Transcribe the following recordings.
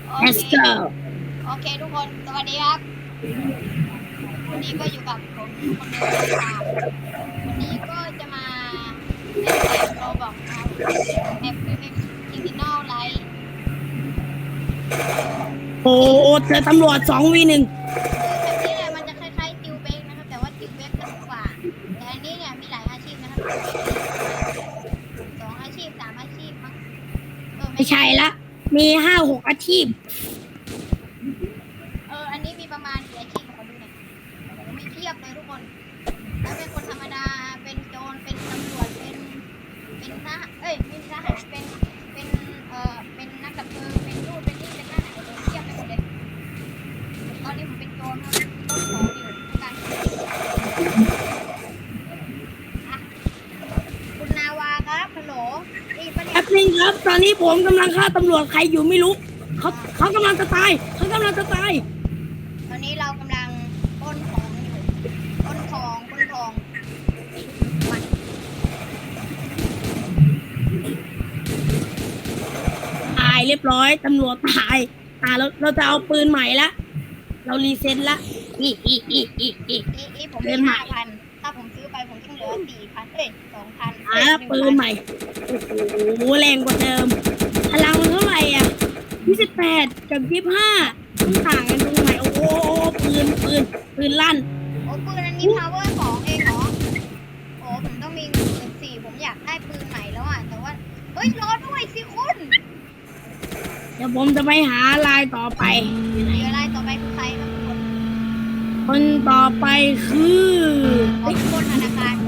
โอ let's เค go โอเคทุกคนสวัสดีครับวันนี้ก็อยู่กับผมคนเดิมนะครับวันนี้ก็จะมาเล่นเกมโรบอกนะครับแอป Criminal Light โอ้เจอตำรวจ2v1 คือแบบนี้เนี่ยมันจะคล้ายๆติวเบกนะครับแต่ว่าติวเบกสนุกกว่าแต่อันนี้เนี่ยมีหลายอาชีพนะครับติวเบกมีประมาณ2 อาชีพ3 อาชีพมั้งไม่ใช่ละมี5-6อาชีพอันนี้มีประมาณกี่อาชีพขอดูหน่อยโอ้มีเพียบเลยทุกคนแล้วเป็นคนธรรมดาเป็นโจรเป็นตำรวจเป็นทหารไม่ใช่ทหารเป็นนักดับเพลิงเป็นนู่นเป็นนี่เป็นนั่นเทียบไปหมดเลยตอนนี้ผมเป็นโจรครับต้นของอยู่การคุณนาวาครับฮัลโหลนี่ปะเนี่ยแป๊บนึงครับตอนนี้ผมกำลังฆ่าตำรวจใครอยู่ไม่รู้เขากำลังจะตายเขากำลังจะตายตอนนี้เรากำลังปล้นของอยู่ปล้นทองมันตายเรียบร้อยตำรวจตายเราจะเอาปืนใหม่ละเรารีเซ็ตละผมมี5,000ถ้าผมซื้อไปผมต้องเหลือ4,000 2,000 ปืนใหม่โอ้โหแรงกว่าเดิมพลังมันเท่าไหร่อ่ะ28กับ25ต้องต่างกันตรงไหนโอ้โหปืนลั่นโอ้ปืนอันนี้ power 2เองเหรอโอ้ผมต้องมีเงิน14,000ผมอยากได้ปืนใหม่แล้วอ่ะแต่ว่าเฮ้ยรอด้วยสิคุณเดี๋ยวผมจะไปหาลายต่อไปเดี๋ยวอะไรต่อไปคือใครครับทุกคนคนต่อไปคือคนธนาคาร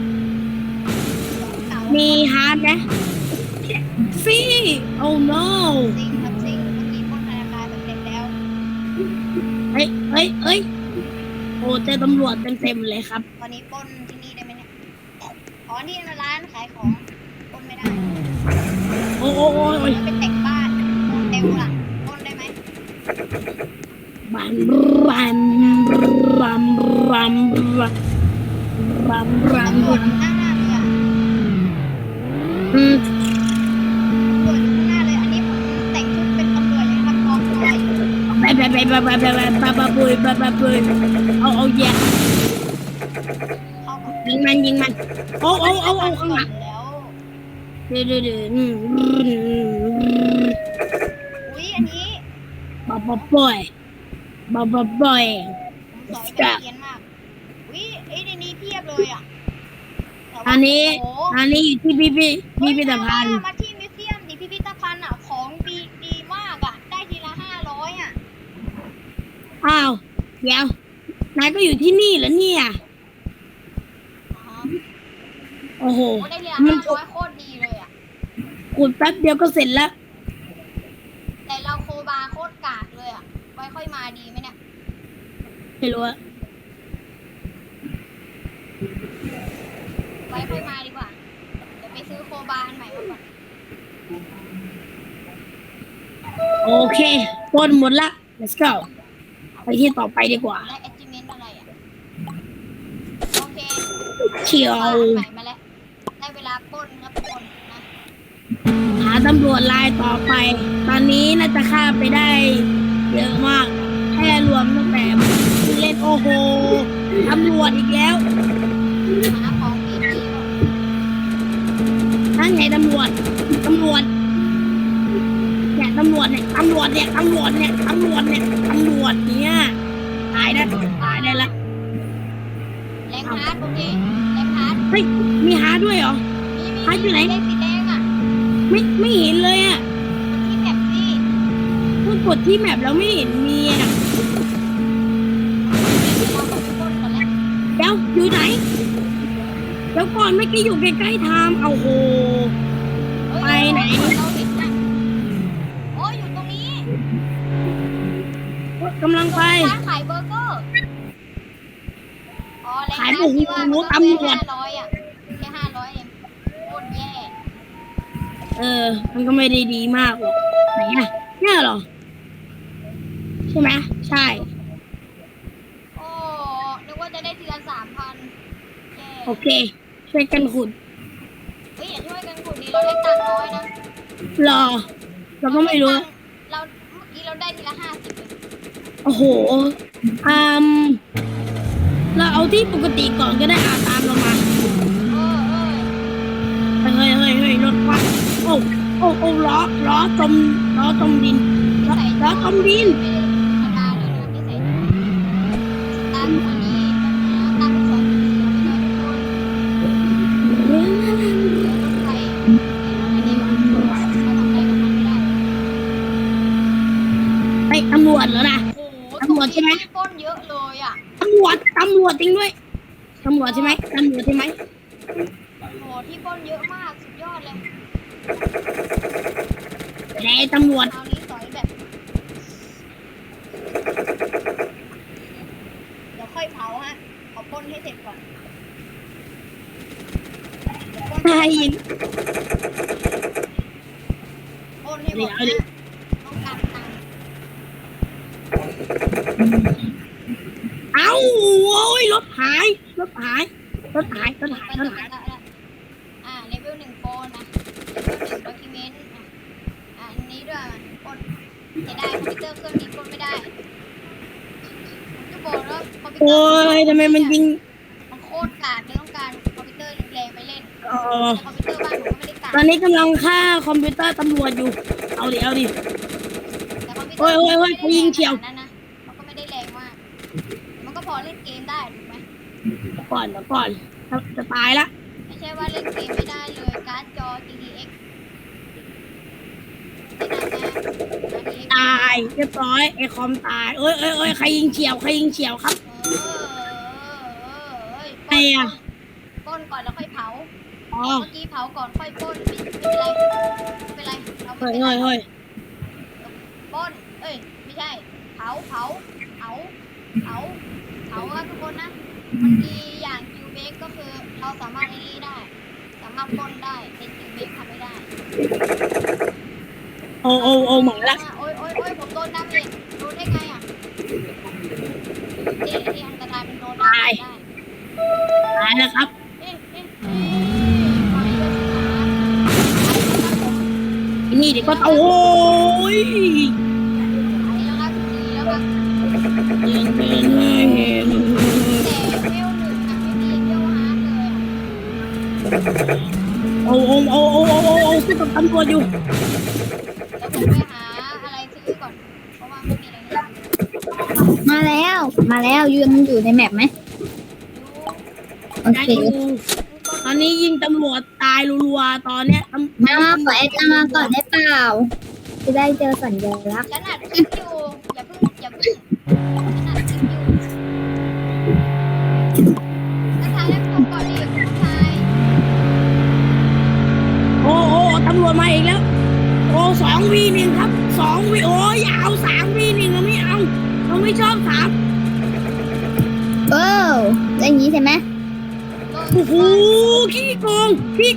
มีฮาร์ดไหมซี่โอ้ no ซิงครับซิงเมื่อกี้คนธนาคารแบบเด็กแล้วเฮ้ยโอ้เจอตำรวจเต็มเลยครับตอนนี้ปล้นที่นี่ได้ไหมเนี่ยอ๋อนี่ร้านขายของปล้นไม่ได้โอ้เป็นแต่งบ้านเต็มหลังปล้นได้ไหมบันรันรัมรัมรัมรัมรัมตำรวจหน้าเลยอ่ะตำรวจอยู่ข้างหน้าเลยอันนี้ผมแต่งชุดเป็นตำรวจเลยครับกองร้อยปุยเอาแย่ยิงมันโอ้ข้างหลังเดืออุ้ยอันนี้บ่อยผมสอยแบบเกียนมากอุ้ยในนี้เพียบเลยอ่ะอันนี้อยู่ที่พิพิธภัณฑ์มาที่มิวเซียมดิพิพิธภัณฑ์อ่ะของดีมากอ่ะได้ทีละ500อ่ะอ้าวเดี๋ยวนายก็อยู่ที่นี่เหรอเนี่ยโอ้โหได้ทีละ500โคตรดีเลยอ่ะขุดแป๊บเดียวก็เสร็จแล้วแต่เราโคบาโคตรกากเลยอ่ะไว้ค่อยมาดีไหมเนี่ยไม่รู้อะไว้ค่อยมาดีกว่าเดี๋ยวไปซื้อโคบาอันใหม่มาก่อนโอเคปนหมดละ let's go ไปที่ต่อไปดีกว่าได้ achievement อะไรอ่ะโอเคเชียวใหม่มาแล้วได้เวลาปล้นครับปล้นนะหาตำรวจลายต่อไปตอนนี้น่าจะฆ่าไปได้เยอะมากแค่รวมตั้งแต่เล่นโอ้โหตำรวจอีกแล้วหาของดีนั่นไงตำรวจเนี่ยตำรวจเนี่ยตำรวจเนี่ยตายได้ละแรงฮาร์ดโอเคแรงฮาร์ดเฮ้ยมีฮาร์ดด้วยเหรอฮาร์ดอยู่ไหนสีแดงอ่ะไม่เห็นเลยอ่ะที่แมปสิเพิ่งกดที่แมปแล้วไม่เห็นมีอ่ะเดี๋ยวอยู่ไหนเดี๋ยวก่อนเมื่อกี้อยู่ใกล้ๆทามเอาโหไปไหนโอ้ยอยู่ตรงนี้กำลังไปร้านขายเบอร์เกอร์ขายหมูตำรวจ 500อ่ะแค่500เองโคตรแย่มันก็ไม่ได้ดีมากหรอกไหนอ่ะเนี่ยเหรอใช่ไหมใช่โอ้นึกว่าจะได้ทีละ3,000 โอเคช่วยกันขุดเฮ้ยอย่าช่วยกันขุดดิเราได้ตังค์น้อยนะรอเราก็ไม่รู้เราเมื่อกี้เราได้ทีละ50เลยโอ้โหอืมเราเอาที่ปกติก่อนก็ได้ตามเรามาเฮ้ยรถควันโอ้ล้อจมดินล้อจมดินธรรมดาเลยนะที่ใส่ตามคนนี้ตามสอนไปเลยทุกคนรถไฟอะไรนี่บ้างเราทำอะไรกับมันไม่ได้ไอ้ตำรวจเหรอนะโอ้โหตำรวจใช่ไหมปล้นเยอะเลยอ่ะตำรวจจริงด้วยตำรวจใช่ไหมตำรวจใช่ไหมโอ้โหที่ปล้นเยอะมากสุดยอดเลยแต่ตำรวจคราวนี้สอยแบบเดี๋ยวค่อยเผาฮะขอปล้นให้เสร็จก่อนใช่ยิงปล้นให้หมดนะต้องการตังค์เอ้าโอ้ยรถหายไปต่อแล้วเลเวล1โปรนะเลเวล1ด็อกิเมนต์อันนี้ด้วยปล้นจะได้คอมพิวเตอร์เครื่องนี้ปล้นไม่ได้ผมจะบอกแล้วคอมพิวเตอโอ้ร์ยทำไมมันยิงมันโคตรกากเลยต้องการคอมพิวเตอร์แรงๆไปเล่นเออคอมพิวเตอร์บ้านผมก็ไม่ได้กากตอนนี้กำลังฆ่าคอมพิวเตอร์ตำรวจอยู่เอาดิแต่คอมพิวเตอร์โอ้ยเขายิงเฉียวขนาดนั้นนะมันก็ไม่ได้แรงมากมันก็พอเล่นเกมได้ถูกไหมเดี๋ยวก่อนจะตายละไม่ใช่ว่าเล่นเกมไม่ได้เลยการ์ดจอ GTX ไม่ได้นะ RTX ตายเรียบร้อยไอคอมตายเอ้ยใครยิงเฉียวครับปล้นก่อนแล้วค่อยเผาอ๋อเมื่อกี้เผาก่อนค่อยปล้นไม่เป็นไรเราไม่เป็นไรเฮ้ยปล้นไม่ใช่เผาครับทุกคนนะมันดีอย่างคิวเบกก็คือเราสามารถไอ้นี่ได้สามารถปล้นได้แต่คิวเบกทำไม่ได้โอ้หมาละโอ้ยผมโดนดาเมจโดนได้ไงอ่ะที่อันตรายมันโดนดาเมจได้ตายแล้วครับไปเลยสินี่เดี๋ยวก็โอ้ยไปแล้วครับดีแล้วครับเห็นแต่เวล1ไม่มีเวลฮาร์ดเลยโอ้สู้กับตำรวจอยู่แล้วผมไปหาอะไรซื้อก่อนเพราะว่าไม่มีอะไรเลยมาแล้วยืนอยู่ในแมปไหมโอเคตอนนี้ยิงตำรวจตายรัวๆตอนเนี้ยมาขอแอดมาก่อนได้เปล่า จะได้เจอสัญลักษณ์ฉันอัดคลิปอยู่อย่าเพิ่งฉันอัดคลิปอยู่นักทายแล้วผมก่อนดิคุณชายโอ้ตำรวจมาอีกแล้วโอ้2v1ครับ2vโอ้ยเอา3v1เราไม่เอาเราไม่ชอบ3 อย่างนี้ใช่ไหมโอ้โหขี้โกง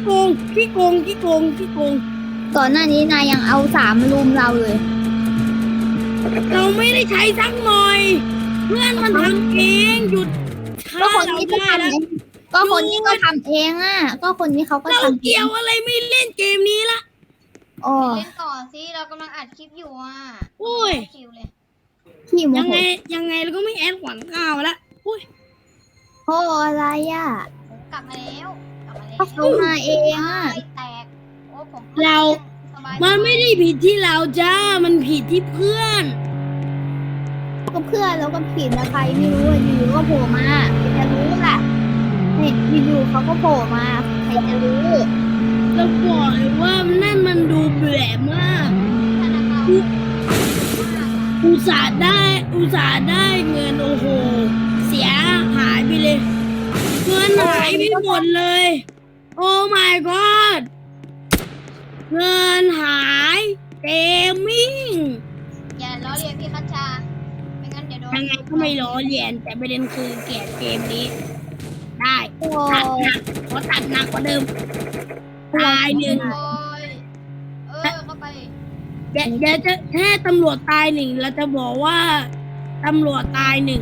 ก่อนหน้านี้นายยังเอา3ลุมเราเลยเราไม่ได้ใช้สักหน่อย เพื่อนมันทำเองหยุดก็ฆ่าคนเรานี้ก็ได้ทำแล้วเองก็คนนี้ก็ทำเองอ่ะ ก็คนนี้เขาก็เราทำเกี่ยวอะไรไม่เล่นเกมนี้ละอ๋อเล่นก่อนสิเรากำลังอัดคลิปอยู่อ่ะโอ้ยคิวเลยขี้โมยังโหไงเราก็ไม่แอดหวังก้าวละอุ้ยโหอะไรอ่ะผมกลับมาแล้วก็เขามาเองอ่ะแตกโอ้ผม สบายมันไม่ได้ผิดที่เราจ้ามันผิดที่เพื่อนก็เพื่อนแล้วก็ผิดนะใครไม่รู้อะอยู่ๆก็โผล่มาใครจะรู้ล่ะเนี่ยอยู่ๆเขาก็โผล่มาใครจะรู้เราบอกเลยว่านั่นมันดูแปลกมากธนาคารอุตส่าห์ได้เงินโอ้โหเสียหายไปเลย เงินหายไปหมดเลย โอ้ my god เงินหายเกมมิ่งอย่าล้อเลียนพี่คัชชาไม่งั้นเดี๋ยวโดนยังไงก็ไม่ล้อเลียนแต่ประเด็นคือเกลียดเกมนี้ ได้โอ้ตัดหนักกว่าเดิมตายหนึ่งโอ้ยเข้าไปเดี๋ยวจะแค่ตำรวจตายหนึ่งเราจะบอกว่าตำรวจตายหนึ่ง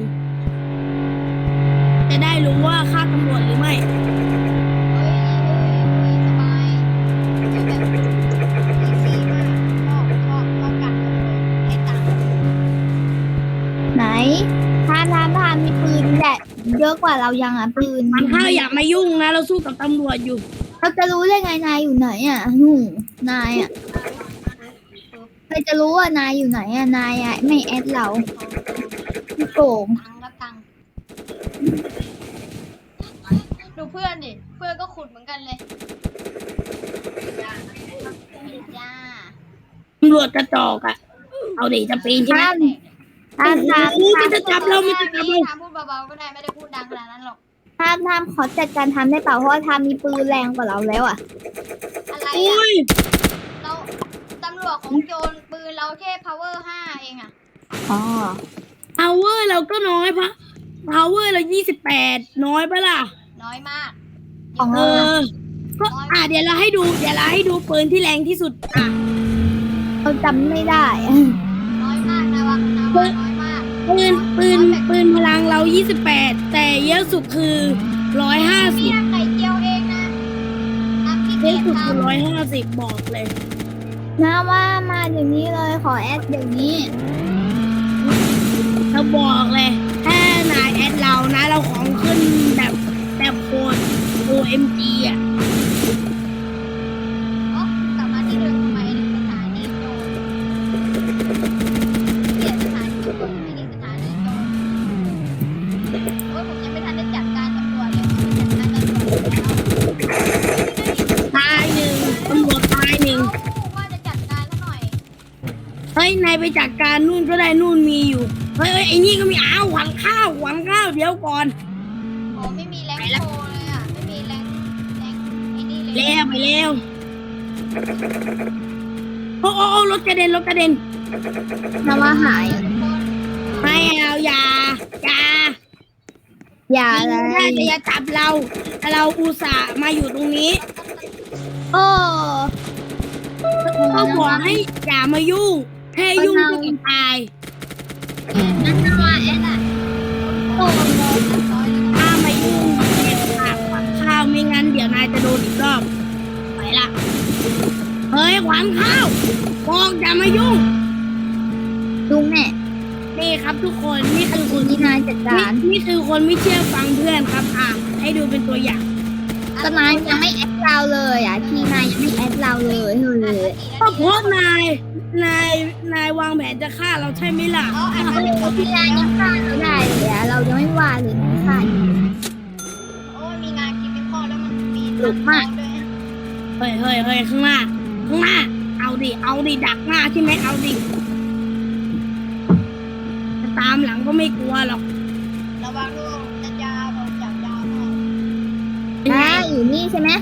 จะได้รู้ว่าฆ่าตำรวจหรือไม่เฮ้ยสบายแบบอีซี่มากชอบกัดเลยให้ตังค์มีปืนแหละเยอะกว่าเรายังอ่ะปืนขวัญข้าวอย่ามายุ่งนะเราสู้กับตำรวจอยู่เราจะรู้ได้ไงนายอยู่ไหนอ่ะนายอ่ะใครจะรู้ว่านายอยู่ไหนอ่ะนายอ่ะไม่แอดเราพี่โกงตังค์ก็ตังค์ดูเพื่อนดิเพื่อนก็ขุดเหมือนกันเลยจ้าตำรวจกระจอกอะเอาดิจะปีนใช่ไหมห้ามโอ้โหมันจะจับเรามันจะจับเราทำพูดเบาๆก็ได้ไม่ได้พูดดังขนาดนั้นหรอกห้ามขอจัดการทำได้เปล่าเพราะว่าทำมีปืนแรงกว่าเราแล้วอ่ะอะไรโอ้อ่ะยเราตำรวจของโจรปืนเราแค่ power 5 เองอ่ะอ๋อ power เราก็น้อยpower เรา28น้อยปะล่ะน้อยมากของเอเราอ ก็เดี๋ยวเราให้ดูปืนที่แรงที่สุดอ่ะเราจำไม่ได้น้อยมากนะวะน้อยมากปืนพลังเรา28แต่เยอะสุดคือพี่ทำไข่เจียวเองนะทำขี้ 150เยเกียอะจสุดทคือ150บอกเลยนะว่ามาเดี๋ยวนี้เลยขอแอดเดี๋ยวนี้เราบอกเลยถ้านายแอดเรานะเราของขึ้นแบบโคตร OMG อ่ะำอ๋อกลับมาที่เดิมทำไมสถานีโจรเปลี่ยนสถานีโจรไม่ได้สถานีโจรโอ้ยผมยังไม่ทันได้จัดการตำรวจเลยจัดการตำรวจแล้วตายหนึ่งตำรวจตายหนึ่งว่าจะจัดการซะหน่อยเฮ้ยนายไปจัดการนู่นก็ได้นู่นมีอยู่เฮ้ยไอ้นี่ก็มีหวังข้าวเดี๋ยวก่อนผมไม่มีแรงโชว์เลยอ่ะ ไม่มีแรงไอ้นี่เลยแล้วไปแล้วโอ้รถกระเด็นนะว่าหายทุกคนไม่เอาอย่าอย่าเลถ้าย จะจับเราแต่เราอุตส่าห์มาอยู่ตรงนี้โอ้ก็บอกให้อย่ามายุ่งแค่ยุ่งก็ต้องตายนั่นว่าแอดอ่ะโอ้ถ้ามายุ่งเด็ดขาดขวัญข้าวไม่งั้นเดี๋ยวนายจะโดนอีกรอบไปละเฮ้ยขวัญข้าวบอกอย่ามายุ่งลุงแม่นี่ครับทุกคนนี่คือคนนี่นายจัดการนี่คือคนไม่เชื่อฟังเพื่อนครับให้ดูเป็นตัวอย่างก็นายยังไม่แอดเราเลยอ่ะที่นายยังไม่แอดเราเลยเฮ้ยก็เพราะนายวางแผนจะฆ่าเราใช่ไหมล่ะอ๋ออันนี้ผมที่นายยังฆ่าเราได้เลยอ่ะเรายังไม่ว่าเลยนายฆ่าอยู่โอ้ยมีงานคิดเป็นข้อแล้วมันมีหลุดมากด้วยเฮ้ยข้างหน้าเอาดิดักหน้าใช่ไหมเอาดิจะตามหลังก็ไม่กลัวหรอกระวังลูกจะยาวผมจับยาวหน่อยนะอยู่นี่ใช่ไหม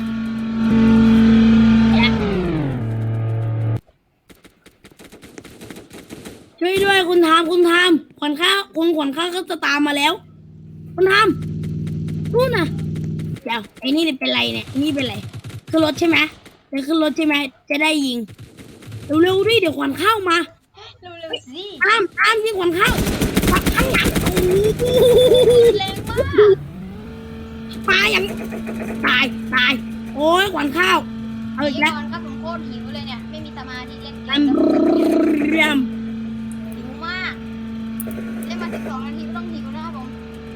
ช่วยด้วยคุณทามขวัญข้าวก็จะตามมาแล้ว คุณทามนู่นน่ะเดี๋ยวไอ้นี่เป็นไรเนี่ยนี่เป็นไรขึ้นรถใช่ไหมจะขึ้นรถใช่ไหมจะได้ยิงเร็วๆดิเดี๋ยวขวัญข้าวมาเร็วๆสิตามยิงขวัญข้าวปักข้างหลังโอ้โหแรงมากตายอย่างตายโอ้ยขวัญข้าวเอาอีกแล้วตอนครับผมโคตรหิวเลยเนี่ยไม่มีสมาธิเล่นเกอัมนแล้วเรียมหิวมากเล่นมา12 นาทีไม่ต้องหิวนะครับผม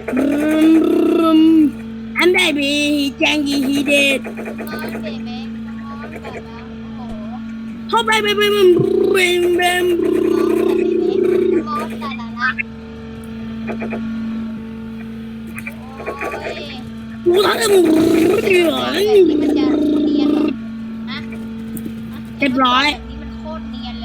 อันได้บีแจงยีฮีเดดมอนเบเบ้มอนแบบแล้วโอ้โหเข้าไปมอนแต่ละละโอ้ยกูทำมึงเดือดแบบนี้มันจะเนียนเหรอฮะเรียบร้อยแบบนี้มันโคตรเนียนเลย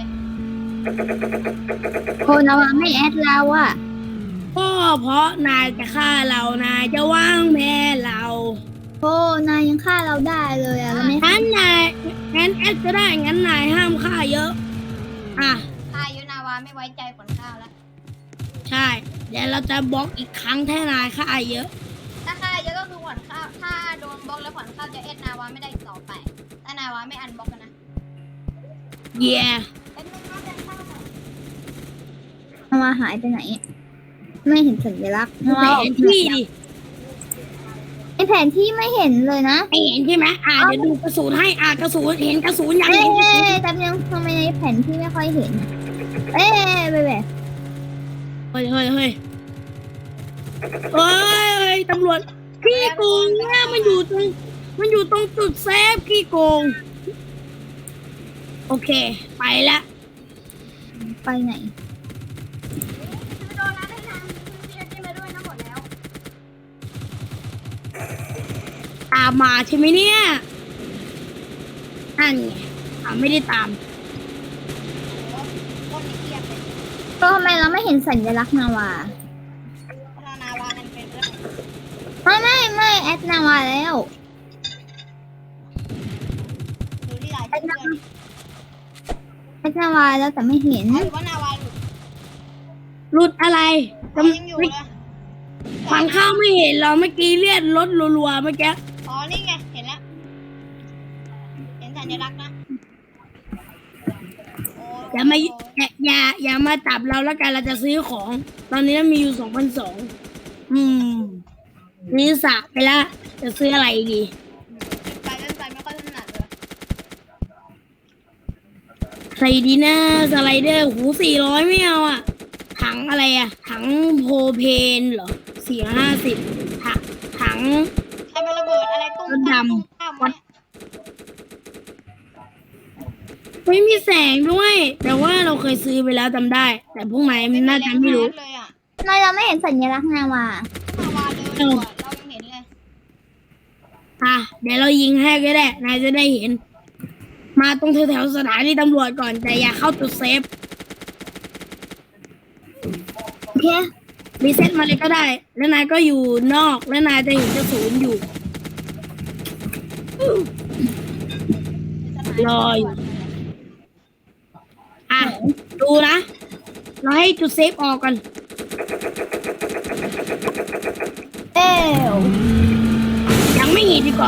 โคนเอาไม่แอดเราอ่ะก็เพราะนายจะฆ่าเรานายจะวางแผนเราโอ้นายยังฆ่าเราได้เลยอ่ะแล้วไม่งั้นแอดก็ได้งั้นนายห้ามฆ่าเยอะอ่ะค่ายุนาวาไม่ไว้ใจขนข้าวแล้วใช่เดี๋ยวเราจะบล็อกอีกครั้งถ้านายฆ่าเยอะถ้าค่าเยอะก็คือขวัญข้าวถ้าโดนบล็อกแล้วขวัญข้าวจะเอ็ดนาวาไม่ได้อีกต่อไป ถ้านาวาไม่อันบล็อกกันนะเย่เอ็ดไม่น่าจะเข้าหรอกเอามาหายไปไหน ไม่เห็นสัญลักษณ์แผนที่ดิไอแผนที่ไม่เห็นเลยนะไม่เห็นใช่ไหมเดี๋ยวดูกระสุนให้กระสุนเห็นกระสุนยังเอ๊เห็นกระสุนะแต่ยังทำไมในแผนที่ไม่ค่อยเห็น เอ๊ะไปแบบเฮ้ยเอ้ยตำรวจขี้โกงเนี่ยมันอยู่ตรงจุดเซฟขี้โกงโอเคไปละไปไหนไม่โดนนะได้ทางพี่จะจิ้มมาด้วยนะหมดแล้วตามมาใช่ไหมเนี่ยนั่นไงไม่ได้ตามโอ้โหคนในเกียบเลยก็ทำไมเราไม่เห็นสัญลักษณ์นาวาพัฒนาวานั่นเป็นเรื่องไม่แอดนาวาแล้วดูที่หลายชื่อเพื่อนแอดนาวาแล้วแต่ไม่เห็นหรือว่านาวาหลุดหลุดอะไรเขายังอยู่เลยฝังข้าวไม่เห็นเราเมื่อกี้เลียดรถรัวๆเมื่อกี้อ๋อนี่ไงเห็นแล้วเห็นสัญลักษณ์นะโอ้อย่ามาจับเราแล้วกันเราจะซื้อของ ตอนนี้มีอยู่2,200นี่สระไปละจะซื้ออะไรดีไปเล่นไปไม่ค่อยถนัดเลยใส่ดีนะสไลเดอร์หู400ไม่เอาอ่ะถังอะไรอ่ะถังโพเพนเหรอ450ถังใครมาระเบิดอะไรตุ้มตั้มตุ้มตั้มวะเนี่ยไม่มีแสงด้วย แต่ว่าเราเคยซื้อไปแล้วจำได้ แต่พวกไหนมันน่าจะไม่รู้เลยอ่ะทำไมเราไม่เห็นสัญลักษณ์นาวานาวาเดินอยู่อะเรายังเห็นเลยเดี๋ยวเรายิงให้ก็ได้นายจะได้เห็น มาตรงแถวๆสถานีตำรวจก่อนแต่อย่าเข้าจุดเซฟโอเครีเซ็ตมาเลยก็ได้ แล้วนายก็อยู่นอกแล้วนายจะเห็นกระสุนอยู่ รออยู่ ดูนะเราให้จุดเซฟออกก่อนเอ้วยังไม่เห็นดีกว่า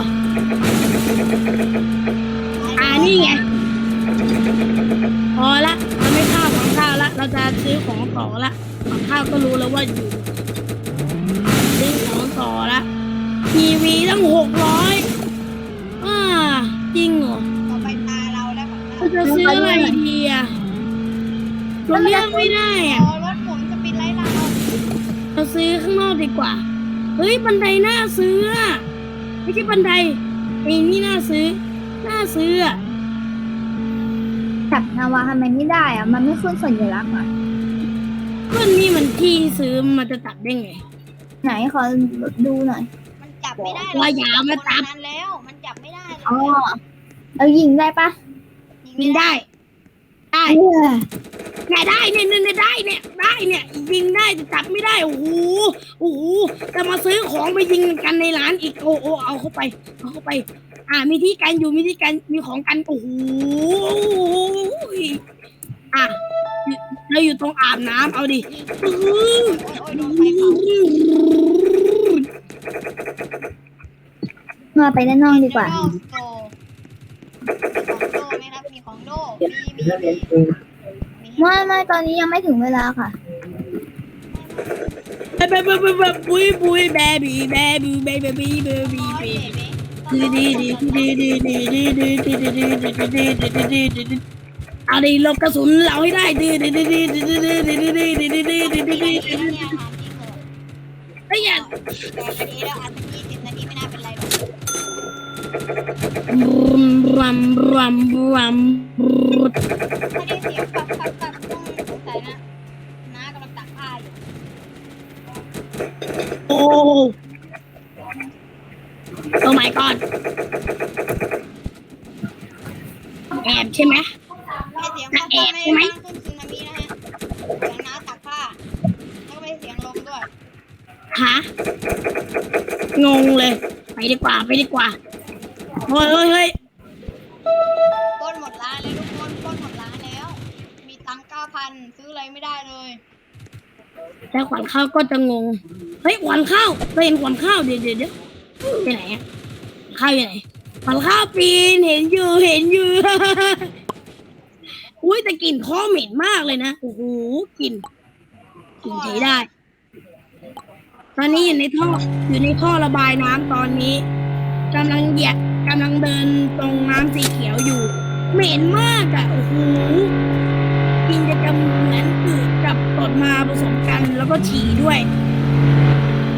นี่ไงพอละเราไม่ข้าวของข้าวละเราจะซื้อของต่อละของข้าวก็รู้แล้วว่าอยู่ซื้อของต่อละทีวีตั้ง600จริงเหรอต่อไปตาเราแล้วของเราจะซื้ออะไรดีอ่ะเราเลือกไม่ได้อ่ะเรารถหมุนจะปิดไล่เราเราซื้อข้างนอกดีกว่าเฮ้ยบันไดน่าซื้ออ่ะไม่ใช่บันไดไอ้นี่น่าซื้ออ่ะจับนาวาทำไมไม่ได้อะมันไม่ขึ้นสัญลักษณ์อะก็นี่มันที่ซื้อมันจะตัดได้ไงไหนขอดูหน่อยมันจับไม่ได้ว่าอย่ามาจับนั้นแล้วมันจับไม่ได้อ๋อเรายิงได้ปะยิงได้เออเนี่ยได้เนี่ยได้เนี่ยยิงได้แต่จับไม่ได้โอ้โหจะมาซื้อของไปยิงกันในร้านอีกโอ้เอาเข้าไปมีที่กันอยู่มีของกันโอ้โหเราอยู่ตรงอาบน้ำเอาดิโอ้ยโดนไฟเผามาไปด้านนอกดีกว่าของโดไหมครับมีของโดมีไม่ตอนนี้ยังไม่ถึงเวลาค่ะบุยแบบี้เอาดิลบกระสุนเราให้ได้ไอ้ยันนาทีแล้วอัน20 นาทีไม่น่าเป็นไรหรอกรัมถ้าได้เสียงปับต้องสงสัยนะน้ากำลังตักผ้าอยู่โอ้ my god แอบใช่ไหมไม่เสียงปับไม่ได้ขึ้นซึนามินะฮะเสียงน้าตักผ้าแล้วก็ไม่เสียงลมด้วยงงเลยไปดีกว่าเฮ้ยปล้นหมดร้านเลยทุกคนปล้นหมดร้านแล้ว มีตังค์ 9,000 ซื้ออะไรไม่ได้เลยแต่ขวัญข้าวก็จะงงเฮ้ยขวัญข้าวเคยเห็นขวัญข้าวเดี๋ยวไปไหนอะข้าวอยู่ไหนขวัญข้าวปีนเห็นอยู่ อุ้ยแต่กลิ่นคอเหม็นมากเลยนะโอ้โหกลิ่นใช้ได้ ตอนนี้อยู่ในท่อระบายน้ำตอนนี้กำลังเดินตรงน้ำสีเขียวอยู่เหม็นมากอ่ะโอ้โหกลิ่นจะเหมือนอืดกับตดมาผสมกันแล้วก็ฉี่ด้วย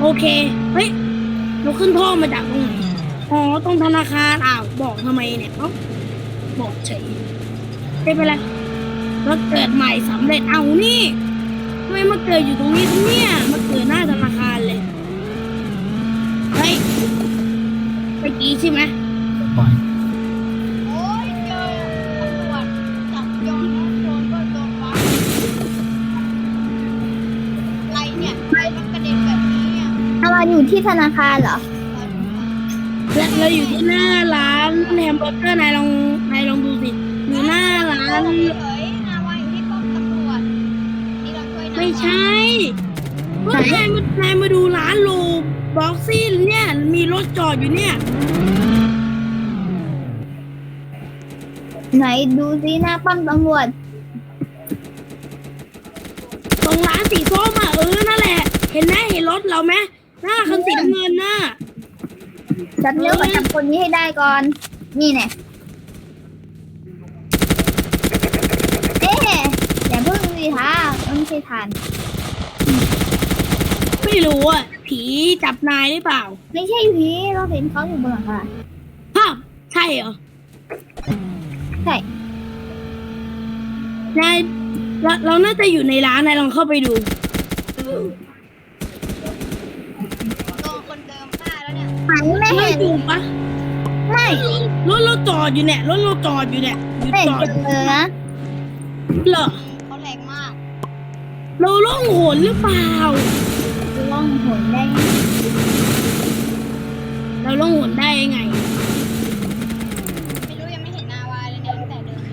โอเค เฮ้ย เราขึ้นท่อมาจากตรงไหน อ๋อ ตรงธนาคาร อ้าว บอกทำไมเนี่ยเอ้าบอกเฉยไม่เป็นไรรถเกิดใหม่สำเร็จ เอานี่ทำไมมาเกิดอยู่ตรงนี้ครับเนี่ย มาเกิดหน้าธนาคารเลย เฮ้ยเมื่อกี้ใช่ไหมโอ้ยเจอตำรวจจับโยนนะโดนก็โดนวัดอะไรเนี่ยทำไมมันกระเด็นแบบนี้อ่ะเราอยู่ที่ธนาคารเหรอและเราอยู่ที่หน้าร้านแฮมเบอร์เกอร์นายลองดูสิอยู่หน้าร้านเฮ้ยนาวาอยู่ที่ป้อมตำรวจนี่เราช่วยนาวาไม่ใช่ก็นายมาดูร้านโลบ็อกซี่เนี่ย มีรถจอดอยู่เนี่ยไหนดูซิหน้าป้อมตำรวจตรงร้านสีส้มอ่ะนั่นแหละ เห็นไหมเห็นรถเราไหมหน้าคันสีน้ำเงินน่ะจับเร็วมาจับคนนี้ให้ได้ก่อน นี่แน่เอ๊ะอย่าเพิ่งสิท่าไม่ใช่ทานไม่รู้อ่ะ ผีจับนายหรือเปล่าไม่ใช่ผีเราเห็นเขาอยู่บนหลังคาฮะใช่เหรอใช่นายเราน่าจะอยู่ในร้านนายลองเข้าไปดูโดนคนเดิมฆ่าแล้วเนี่ยหันไม่ไม่เห็นดูปะไม่รถเราจอดอยู่เนี่ยอยู่ไม่จอดเห็นเลยนะเหรอเขาแรงมากเราล่องหนหรือเปล่าล่องหนได้เราล่องหนได้ยังไงไม่รู้ยังไม่เห็นนาวาเลยเนี่ยตั้งแต่เดิน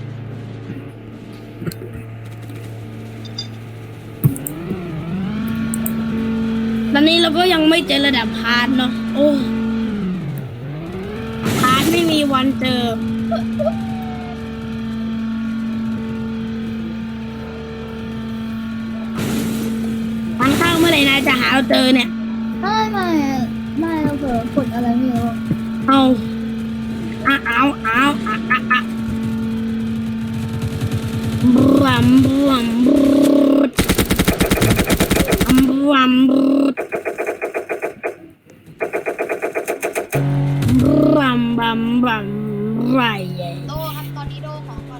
ตอนนี้เราก็ยังไม่เจอระดับพาร์ทเนาะ โอ้พาร์ทไม่มีวันเจอ ทางเข้าเมื่อไหร่นายจะหาเราเจอเนี่ยไม่เราเผลอกดอะไรไม่รู้เอาบรัมบรัมบรัมไรโดครับตอนนี้โดของก่อน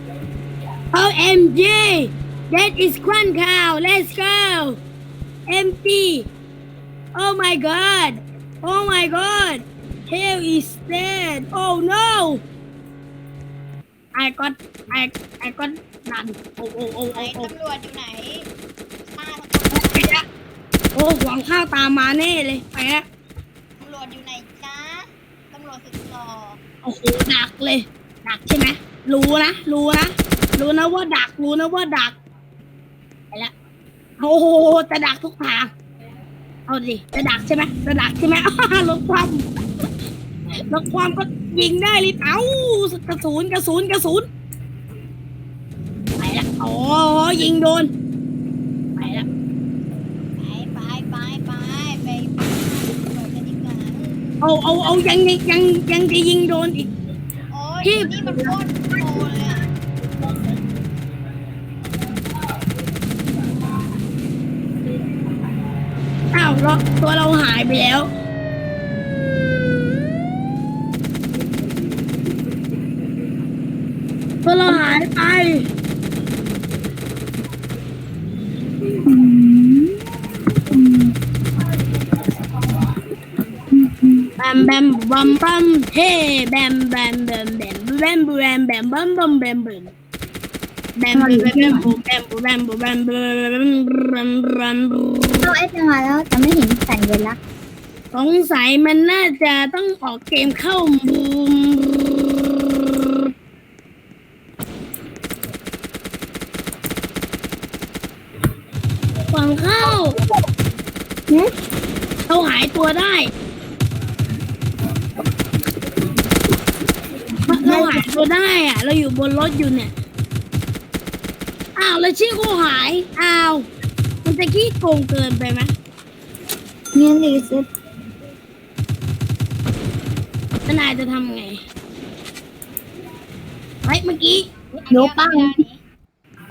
OMG that is one cow let's go empty oh my god hell is dead oh no I got done ไหนตำรวจอยู่ไหนฆ่าทั้งไปละโอ้หวังข้าวตามมาแน่เลยไปละตำรวจอยู่ไหนจ้าตำรวจสุดหล่อโอ้โหดักเลยดักใช่ไหมรู้นะว่าดักไปละโอ้โหจะดักทุกทางเอาดิจะดักใช่ไหมลดความก็ยิงได้เลยเอ้ากระสุนไปละอ๋อยิงโดนไปละไปตำรวจกันดีกว่าเอายังจะยิงโดนอีกโอ้ยพี่นี่มันโคตรโตเลยอ่ะอ้าวตัวเราหายไปแล้วตัวเราหายไปแบมบัมบัมเฮ้แบมบัมบัมบัมบัมเราเอฟมาแล้วแต่ไม่เห็นสัญลักษณ์สงสัยมันน่าจะต้องออกเกมเข้าบูมฝั่งเข้าเราหายตัวได้เราหายตัวได้อะเราอยู่บนรถอยู่เนี่ยอ้าวแล้วชื่อกูหายอ้าวมันจะขี้โกงเกินไปไหมเนี่ยรีเซ็ตแล้วนายจะทำไงเฮ้ยเมื่อกี้โยปัง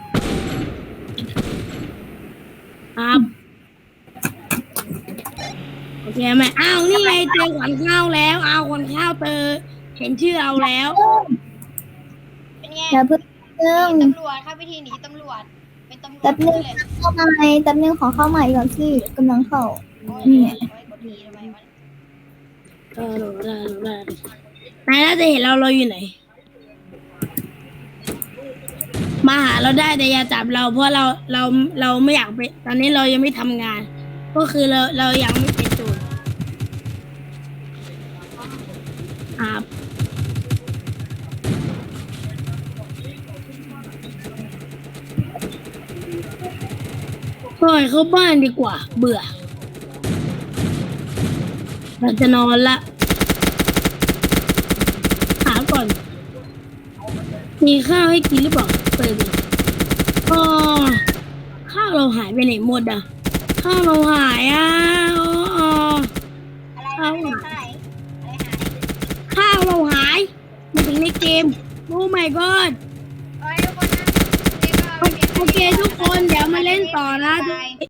ครับโอเคไหมอ้าวนี่ไงเจอขวัญข้าวแล้วเอาขวัญข้าวเจอเห็นชื่อเอาแล้วเป็นไงเดี๋ยวเพิ่งตำรวจครับวิธีหนีตำรวจเป็นตำรวจแป๊บนึงเลยเข้ามาแป๊บนึงขอเข้าใหม่ก่อนสิกำลังเข้าโอ้ยนี่โอ้ยกดทีทำไมวะได้นายน่าจะเห็นเราอยู่ไหน มาหาเราได้แต่อย่าจับเราเพราะเราไม่อยากไปตอนนี้เรายังไม่ทำงาน ก็คือเรายังไม่เป็นโจรครับปล่อยเข้าบ้านดีกว่า เบื่อ เราจะนอนละถามก่อน มีข้าวให้กินหรือเปล่าเปิดดิอ๋อข้าวเราหายไปไหนหมดอ่ะ ข้าวเราหายอ่ะอ๋ออะไรอะไรอะไรหายข้าวเราหายมาถึงในเกม โอ้ my god โอ้ยทุกคนนะนี่ก็โอเคทุกคนเดี๋ยวมาเล่นต่อนะ